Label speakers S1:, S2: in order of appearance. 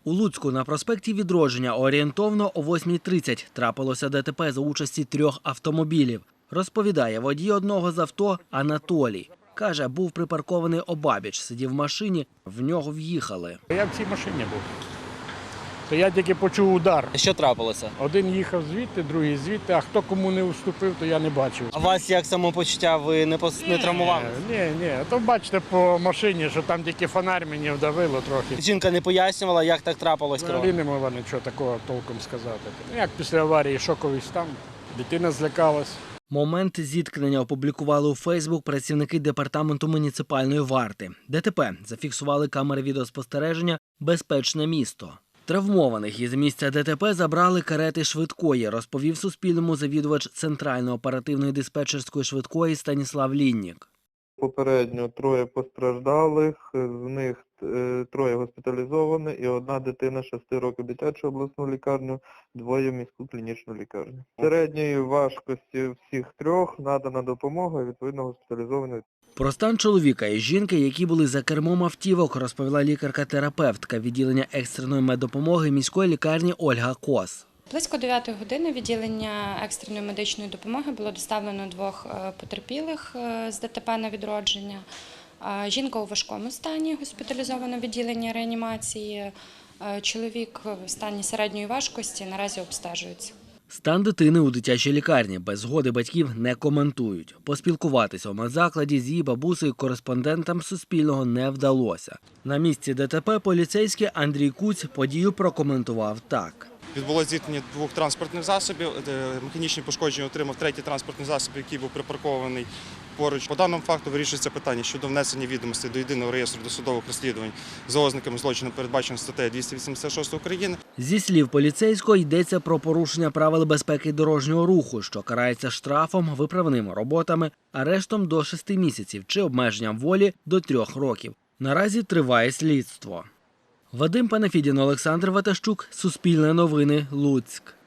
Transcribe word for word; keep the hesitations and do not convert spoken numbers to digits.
S1: У Луцьку на проспекті Відродження орієнтовно о восьмій тридцять трапилося ДТП за участі трьох автомобілів. Розповідає водій одного з авто Анатолій. Каже, був припаркований обабіч, сидів в машині, в нього в'їхали.
S2: Я в цій машині був. То я тільки почув удар.
S3: Що трапилося?
S2: Один їхав звідти, другий звідти, а хто кому не уступив, то я не бачив.
S3: А вас як самопочуття? Ви не, пос... не травмували?
S2: Ні, ні, то бачите по машині, що там тільки фонарь мені вдавило трохи.
S3: Жінка не пояснювала, як так трапилось?
S2: Взагалі не могла нічого такого толком сказати. Ну, як після аварії шоковий стан, дитина злякалась.
S1: Момент зіткнення опублікували у Фейсбук працівники департаменту муніципальної варти. ДТП зафіксували камери відеоспостереження «Безпечне місто». Травмованих із місця ДТП забрали карети швидкої, розповів Суспільному завідувач Центральної оперативної диспетчерської швидкої Станіслав Ліннік.
S4: Попередньо троє постраждалих, з них е, троє госпіталізовані і одна дитина шести років дитячу обласну лікарню, двоє в міську клінічну лікарню. Середньої важкості всіх трьох надана допомога і відповідно госпіталізовані.
S1: Про стан чоловіка і жінки, які були за кермом автівок, розповіла лікарка-терапевтка відділення екстреної меддопомоги міської лікарні Ольга Кос.
S5: Близько дев'ятої години відділення екстреної медичної допомоги було доставлено двох потерпілих з ДТП на Відродження. Жінка у важкому стані, госпіталізована в відділенні реанімації. Чоловік в стані середньої важкості, наразі обстежується.
S1: Стан дитини у дитячій лікарні без згоди батьків не коментують. Поспілкуватися у медзакладі з її бабусею кореспондентам Суспільного не вдалося. На місці ДТП поліцейський Андрій Куць подію прокоментував так.
S6: Відбулося зіткнення двох транспортних засобів. Механічні пошкодження отримав третій транспортний засіб, який був припаркований поруч. По даному факту вирішується питання щодо внесення відомостей до єдиного реєстру досудових розслідувань за ознаками злочину, передбаченого статтею двісті вісімдесят шість України.
S1: Зі слів поліцейського йдеться про порушення правил безпеки дорожнього руху, що карається штрафом, виправними роботами, арештом до шести місяців чи обмеженням волі до трьох років. Наразі триває слідство. Вадим Панафідін, Олександр Ватащук, Суспільне новини, Луцьк.